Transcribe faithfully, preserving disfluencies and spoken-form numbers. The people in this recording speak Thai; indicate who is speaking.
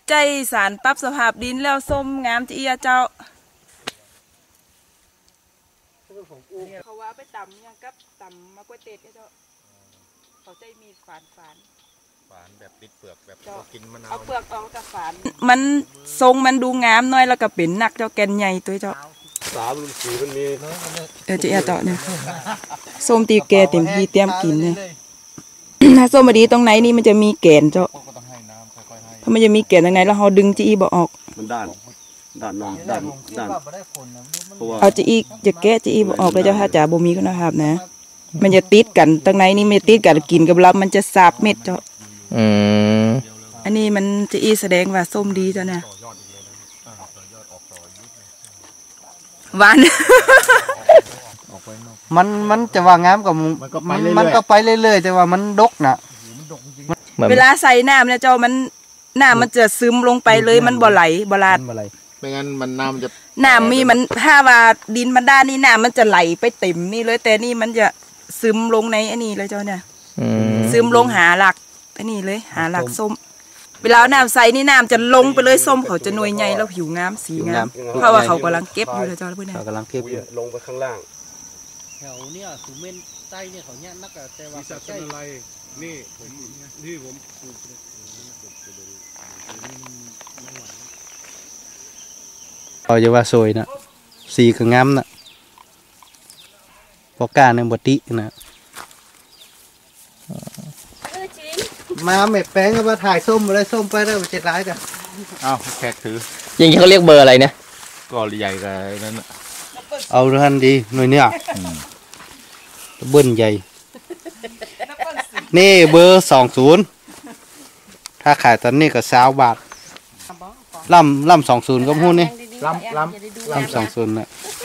Speaker 1: ใจสารปรับสภาพดินแล้วส้มงามจีอะเจ้าเขาว่าไปตำยังกับตำมะกวยเตดเจ้าเขาใจมีฝานฝาน
Speaker 2: ฝานแบบติดเปลือกแบบกินมะนาว
Speaker 1: เอาเปลือกออกจากฝานมันทรงมันดูงามน้อยแล้วก็เป็นนักเจ้าแกนใหญ่ตัวเจ้า
Speaker 2: สามสีมันมี
Speaker 1: เออจีอะเจ้าเนี่ยส้มตีแกเต็มที่เตรียมกินเนี่ยถ้าส้มมาดีตรงไหนนี่มันจะมีแกนเจ้าเพราะมันจะมีแกนตรงไหนแล้วเราดึงจีบอกออก
Speaker 2: มันด้านด้านนอนด้านด้าน
Speaker 1: เอาจีจะแกะจีบอกออกเลยเจ้าถ้าจ่าบ่มีคุณภาพนะมันจะติดกันตรงไหนนี่ไม่ติดกันกินกับเรามันจะสาบเม็ดเจ้า
Speaker 3: อืม
Speaker 1: อันนี้มันจีแสดงว่าส้มดีเจ้าเนี่ยหวาน
Speaker 4: มันมันจะว่างามกับมันมันก็ไปเรื่อยๆแต่ว่ามันดกนะ
Speaker 1: เวลาใส่น้ำเนี่ยเจ้ามันน้ำมันจะซึมลงไปเลยมันบ่ไหลบ่ลาด
Speaker 2: ไม่งั้นมันน้ำจะ
Speaker 1: น้ำมีมันถ้าว่าดินมันด้านนี่น้ำมันจะไหลไปเต็มนี่เลยแต่นี่มันจะซึมลงในอันนี้เลยเจ้าเนี่ยซึมลงหาหลักอันนี้เลยหาหลักส้มเวลาน้ำใส่นี่น้ำจะลงไปเลยส้มเขาจะหน่วยใหญ่แล้วผิวงามสีงามเพราะว่าเขากำลังเก็บอยู่เลยเจ้าเพื่อน
Speaker 4: เขากำลังเก็บอยู่
Speaker 2: ลงไปข้างล่าง
Speaker 5: แถวเนี้ยสุเมนใต้เนี่ยเขาเนี่ยนักแต่ว่า
Speaker 2: ใช่อะไรนี่ผมนี่ผม
Speaker 4: เอาจะว่าสวยนะสีก็งามนะพอการในบตินะมาเม็ดแป้งก็มาถ่ายส้มมาได้ส้มไปได้มาเจ็ดร้ายจ้ะ
Speaker 2: อ้าวแขกถือ
Speaker 3: อย่างนี้เขาเรียกเบอร์อะไรเนี่ย
Speaker 2: ก็ใหญ่กันนั่น
Speaker 4: เอาทันดีหน่อยเนี่ยเบิ้ลใหญ่นี่เบอร์สองศูนย์ถ้าขายตอนนี้ก็สาวบาทล่ำล่ำสองศูนย์ก็พูดนี่
Speaker 2: ล่ำล่ำ
Speaker 4: ล่ำสองศูนย์นะ